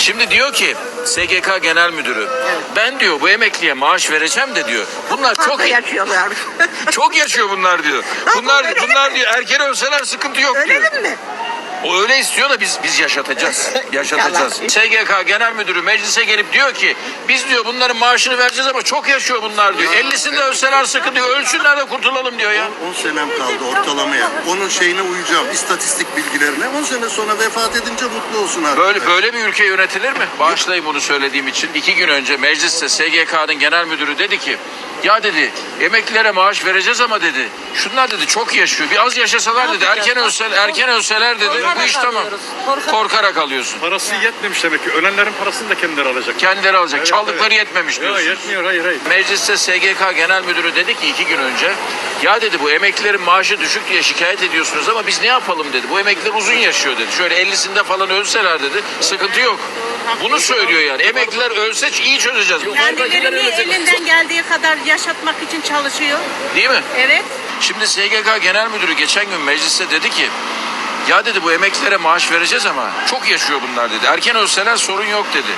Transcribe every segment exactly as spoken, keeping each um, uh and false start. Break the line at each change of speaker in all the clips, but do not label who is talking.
Şimdi diyor ki S G K Genel Müdürü, ben diyor bu emekliye maaş vereceğim de diyor. Bunlar çok
Çok yaşıyorlar.
çok yaşıyor bunlar diyor. Bunlar bunlar diyor erken ölseler sıkıntı yok diyor.
Öyle mi?
O öyle istiyor da biz biz yaşatacağız. Yaşatacağız. S G K Genel Müdürü meclise gelip diyor ki biz diyor bunların maaşını vereceğiz ama çok yaşıyor bunlar diyor. ellisinde ölseler sıkı diyor. Ölsünler de kurtulalım diyor ya.
on senem kaldı ortalamaya. Onun şeyine uyacağım, istatistik bilgilerine. on sene sonra vefat edince mutlu olsun artık.
Böyle böyle bir ülke yönetilir mi? Bağışlayın bunu söylediğim için. İki gün önce mecliste S G K'nın genel müdürü dedi ki ya dedi emeklilere maaş vereceğiz ama dedi şunlar dedi çok yaşıyor. Bir az yaşasalar dedi erken ölseler, erken ölseler dedi bu iş tamam. Korkarak alıyorsun.
Parası yetmemiş demek ki. Ölenlerin parasını da kendileri alacak.
Kendileri alacak.
Evet,
Çaldıkları
evet.
yetmemiş
Yok
diyorsun.
yetmiyor, hayır hayır.
Mecliste S G K Genel Müdürü dedi ki iki gün önce ya dedi bu emeklilerin maaşı düşük diye şikayet ediyorsunuz ama biz ne yapalım dedi. Bu emekliler uzun yaşıyor dedi. Şöyle ellisinde falan ölseler dedi sıkıntı yok. Bunu söylüyor yani. Emekliler ölse iyi çözeceğiz.
Kendilerini elinden geldiği kadar yaşatmak için çalışıyor.
Değil mi?
Evet.
Şimdi S G K Genel Müdürü geçen gün mecliste dedi ki ya dedi bu emeklilere maaş vereceğiz ama çok yaşıyor bunlar dedi. Erken ölseler sorun yok dedi.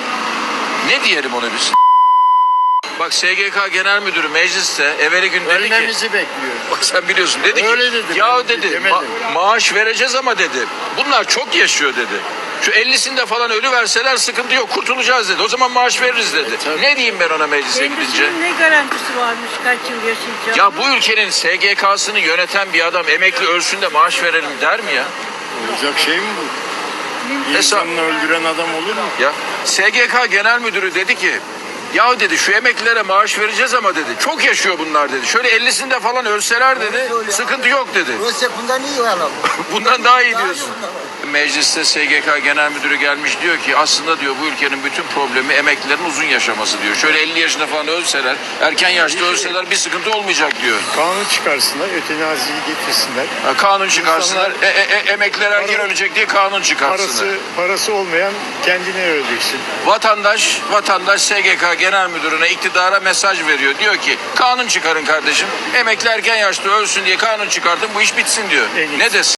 Ne diyelim ona biz? Bak S G K Genel Müdürü mecliste evveli gün dedi ki
Ölmemizi bekliyor.
bak sen biliyorsun dedi ki
Öyle dedi,
ya
ben
dedi
demedim.
ma- maaş vereceğiz ama dedi bunlar çok yaşıyor dedi. Şu ellisinde falan ölü verseler sıkıntı yok kurtulacağız dedi. O zaman maaş veririz dedi.
tabii.
Ne diyeyim ben ona meclise gidince?
Kendisinin ne garantisi varmış kaç yıl yaşayacak?
Ya bu ülkenin S G K'sını yöneten bir adam emekli ölsün de maaş verelim der mi ya?
Olacak şey mi bu?
Hesap.
İnsanını öldüren adam olur mu?
Ya S G K Genel Müdürü dedi ki ya dedi şu emeklilere maaş vereceğiz ama dedi çok yaşıyor bunlar dedi. Şöyle ellisinde falan ölseler dedi sıkıntı yok dedi.
Ölse bundan iyi olalım.
Bundan daha iyi diyorsun. Mecliste S G K Genel Müdürü gelmiş diyor ki aslında diyor bu ülkenin bütün problemi emeklilerin uzun yaşaması diyor. Şöyle elli yaşında falan ölseler, erken yaşta ölseler bir sıkıntı olmayacak diyor.
Kanun çıkarsınlar, ötenaziyi getirsinler.
Ha, kanun çıkarsınlar, e, e, e, emekliler erken
Para-
ölecek diye kanun çıkarsınlar.
Parası parası olmayan kendine öleceksin.
Vatandaş, vatandaş S G K Genel Müdürü'ne, iktidara mesaj veriyor. Diyor ki kanun çıkarın kardeşim. Emekli erken yaşta ölsün diye kanun çıkartın bu iş bitsin diyor.
En iyisi.
Ne desin?